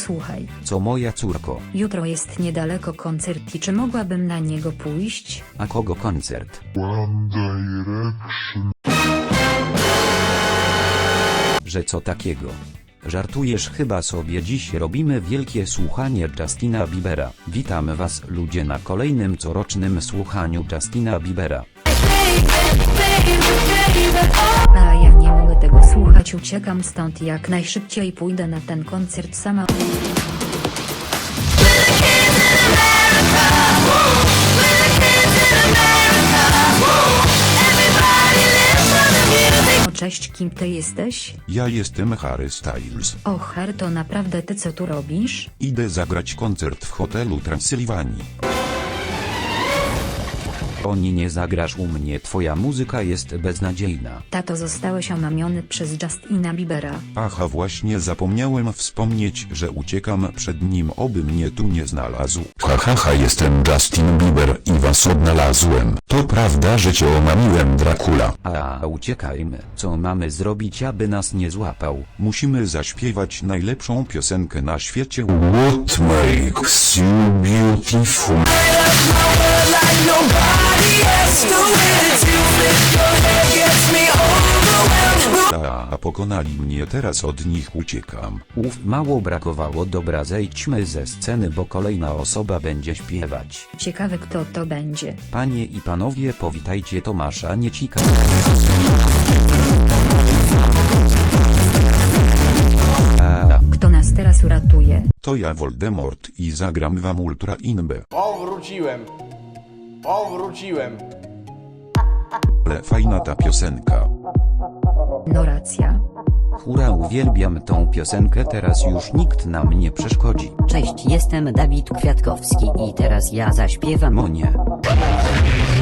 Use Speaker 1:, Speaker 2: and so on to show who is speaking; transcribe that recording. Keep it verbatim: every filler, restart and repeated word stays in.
Speaker 1: Słuchaj.
Speaker 2: Co moja córko?
Speaker 1: Jutro jest niedaleko koncert i czy mogłabym na niego pójść?
Speaker 2: A kogo koncert?
Speaker 3: One Direction.
Speaker 2: Że co takiego? Żartujesz chyba sobie. Dziś robimy wielkie słuchanie Justina Biebera. Witam was ludzie na kolejnym corocznym słuchaniu Justina Biebera.
Speaker 1: A ja nie mogę tego słuchać, uciekam stąd jak najszybciej, pójdę na ten koncert sama. O cześć, kim ty jesteś?
Speaker 3: Ja jestem Harry Styles.
Speaker 1: O Harry, to naprawdę ty co tu robisz?
Speaker 3: Idę zagrać koncert w hotelu Transylwanii.
Speaker 2: Oni, nie zagrasz u mnie, twoja muzyka jest beznadziejna.
Speaker 1: Tato, zostałeś omamiony przez Justina Biebera.
Speaker 3: Aha, właśnie zapomniałem wspomnieć, że uciekam przed nim, oby mnie tu nie znalazł. Hahaha, ha, ha, jestem Justin Bieber i was odnalazłem. To prawda, że cię omamiłem, Dracula?
Speaker 2: A uciekajmy. Co mamy zrobić, aby nas nie złapał?
Speaker 3: Musimy zaśpiewać najlepszą piosenkę na świecie. What makes you beautiful? A, a pokonali mnie, teraz od nich uciekam.
Speaker 2: Uf, mało brakowało. Dobra, zejdźmy ze sceny, bo kolejna osoba będzie śpiewać.
Speaker 1: Ciekawe, kto to będzie.
Speaker 2: Panie i panowie, powitajcie Tomasza Niecika. A,
Speaker 1: Kto nas teraz uratuje?
Speaker 3: To ja, Voldemort, i zagram wam Ultra Inbe.
Speaker 4: O, wróciłem. O, wróciłem.
Speaker 3: Ale fajna ta piosenka.
Speaker 1: No racja.
Speaker 2: hura, uwielbiam tą piosenkę, teraz już nikt nam nie przeszkodzi.
Speaker 5: Cześć, jestem Dawid Kwiatkowski i teraz ja zaśpiewam.
Speaker 2: O nie.